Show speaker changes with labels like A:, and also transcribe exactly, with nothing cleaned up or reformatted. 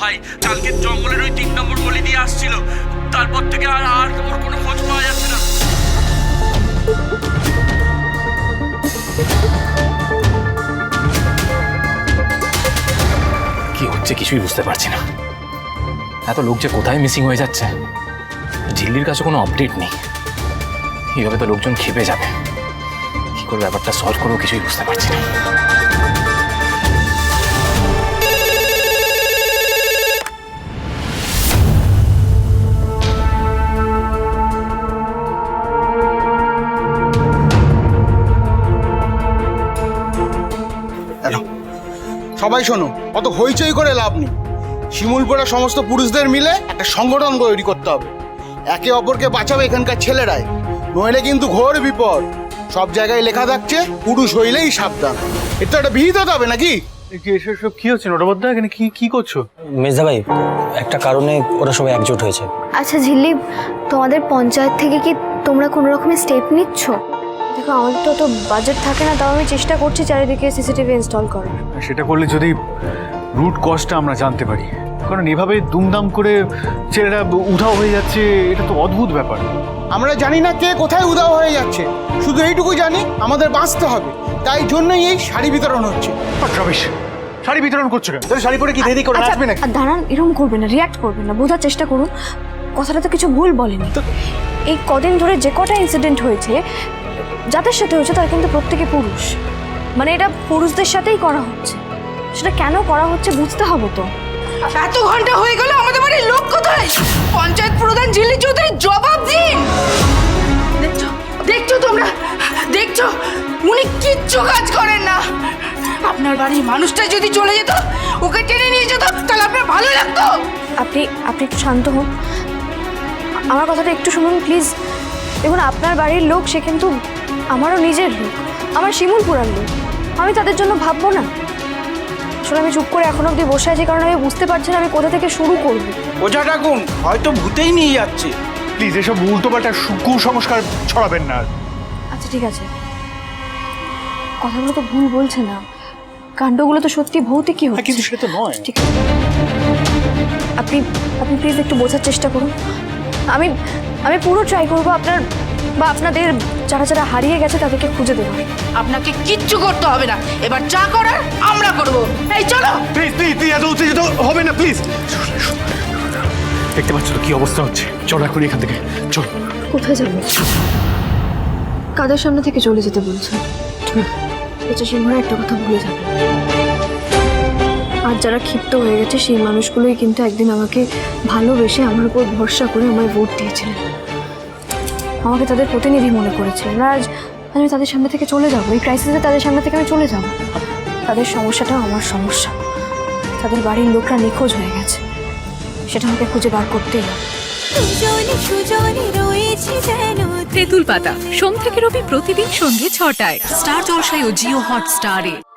A: ভাই কালকে জঙ্গলের ওই তিন নম্বর গলি দিয়ে আসছিল, তারপর থেকে আর আর ওর কোনো খোঁজ পাওয়া যাচ্ছে না।
B: কি হচ্ছে কিছুই বুঝতে পারছি না। এত লোক যে কোথায় মিসিং হয়ে যাচ্ছে, ঝিল্লির কাছে কোনো আপডেট নেই। এইভাবে তো লোকজন খেপে যাবে। কি করে ব্যাপারটা সলভ করবো কিছুই বুঝতে পারছি না।
C: সবাই শোনো, অত হইচই করে লাভ নেই। শিমুলপুরা সমস্ত পুরুষদের মিলে একটা সংগঠন তৈরি করতে হবে। একে অপরকে বাঁচাবে এখানকার ছেলেরাই, নইলে কিন্তু ঘোর বিপদ। সব জায়গায় লেখা থাকছে পুরুষ হইলেই সাবধান। এটা একটা বিহিত হতে হবে নাকি?
D: এসব কি হচ্ছে নটবদ্দা? এখানে কি কি করছো?
E: মেজদা ভাই, একটা কারণে ওরা সবাই একজোট হয়েছে।
F: আচ্ছা ঝিল্লি, তোমাদের পঞ্চায়েত থেকে কি তোমরা কোনো রকমের স্টেপ নিচ্ছ? দেখো আমাদের তো তো বাজেট থাকে না, তাও আমি চেষ্টা করছি চারিদিকে সিসিটিভি ইনস্টল করার।
D: সেটা করলে যদি রুট কজটা আমরা জানতে পারি, কারণ এভাবে দুমদাম করে ছেলেরা উধাও হয়ে যাচ্ছে, এটা তো অদ্ভুত ব্যাপার।
C: আমরা জানি না কে কোথায় উধাও হয়ে যাচ্ছে, শুধু এইটুকু জানি আমাদের বাঁচতে হবে। তাই জন্যই এই শাড়ি বিতরণ হচ্ছে।
D: রমেশ, শাড়ি বিতরণ করছো কেন? শাড়ি পরে কি দেরি করে আসবে নাকি?
F: আর দাঁড়ান, এরকম করবেন না, রিয়াক্ট করবেন না, বোঝার চেষ্টা করুন। কথাটা তো কিছু ভুল বলেনি। এই কদিন ধরে যে কটা ইনসিডেন্ট হয়েছে, যাদের সাথে হয়েছে তারা কিন্তু প্রত্যেকে পুরুষ। মানে এটা পুরুষদের সাথেই করা হচ্ছে। সেটা কেন করা হচ্ছে বুঝতে হবে তো।
G: এত ঘন্টা হয়ে গেল, আমাদের বাড়ির লোক কোথায়? পঞ্চায়েত প্রধান ঝিল্লি চৌধুরী জবাব দিন। দেখছো দেখছো তোমরা দেখছো, উনি কিচ্ছু কাজ করেন না। আপনার বাড়ির মানুষটা যদি চলে যেত, ওকে টেনে নিয়ে যেত, তাহলে আপনার ভালো লাগতো।
F: আপনি আপনি একটু শান্ত হন, আমার কথাটা একটু শুনুন প্লিজ। দেখুন, আপনার বাড়ির লোক সে কিন্তু আমারও নিজের লোক, আমার শিমুলপুরার লোক। আমি তাদের জন্য ভাববো না? আসলে আমি চুপ করে এখন অবধি বসে আছি কারণ আমি বুঝতে পারছি না আমি কোথা থেকে শুরু করব।
C: ওঝা ডাকুন, হয়তো ভূতেই নিয়ে যাচ্ছে।
D: প্লিজ এসব উল্টোপাল্টা কুসংস্কার ছড়াবেন না।
F: আচ্ছা ঠিক আছে, কথাগুলো তো ভুল বলছে না, কাণ্ডগুলো তো সত্যি ভৌতিকই হচ্ছে।
D: কিন্তু সেটা তো নয়।
F: ঠিক আছে, আপনি আপনি প্লিজ একটু বোঝার চেষ্টা করুন। আমি আমি পুরো ট্রাই করবো আপনার বা আপনাদের যারা যারা হারিয়ে গেছে তাদেরকে খুঁজে দেবো।
G: আপনাকে কিচ্ছু করতে হবে না, এবার যা করার আমরা করব। এই চলো।
D: প্লিজ প্লিজ প্লিজ এত উত্তেজিত হবে না প্লিজ। দেখতে পাচ্ছ তো কি অবস্থা হচ্ছে? চলো এখন এখান থেকে চল।
F: কোথায় যাবো? কাদের সামনে থেকে চলে যেতে বলছো? আচ্ছা সিংহরা একটা কথা ভুলে যাবে, আর যারা ক্ষিপ্ত হয়ে গেছে সেই মানুষগুলোই কিন্তু একদিন আমাকে ভালোবেসে আমার উপর ভরসা করে আমায় ভোট দিয়েছিলেন, আমাকে তাদের প্রতিনিধি মনে করেছিলেন। আজ আমি তাদের সামনে থেকে চলে যাবো, এই ক্রাইসিসে তাদের সামনে থেকে আমি চলে যাব। তাদের সমস্যাটাও আমার সমস্যা। তাদের বাড়ির লোকরা নিখোঁজ হয়ে গেছে, সেটা আমাকে খুঁজে বার করতেই হবে।
H: তেঁতুল পাতা সোম থেকে রবি প্রতিদিন সন্ধ্যে ছটায় স্টার জলসায় ও জিও হটস্টারে।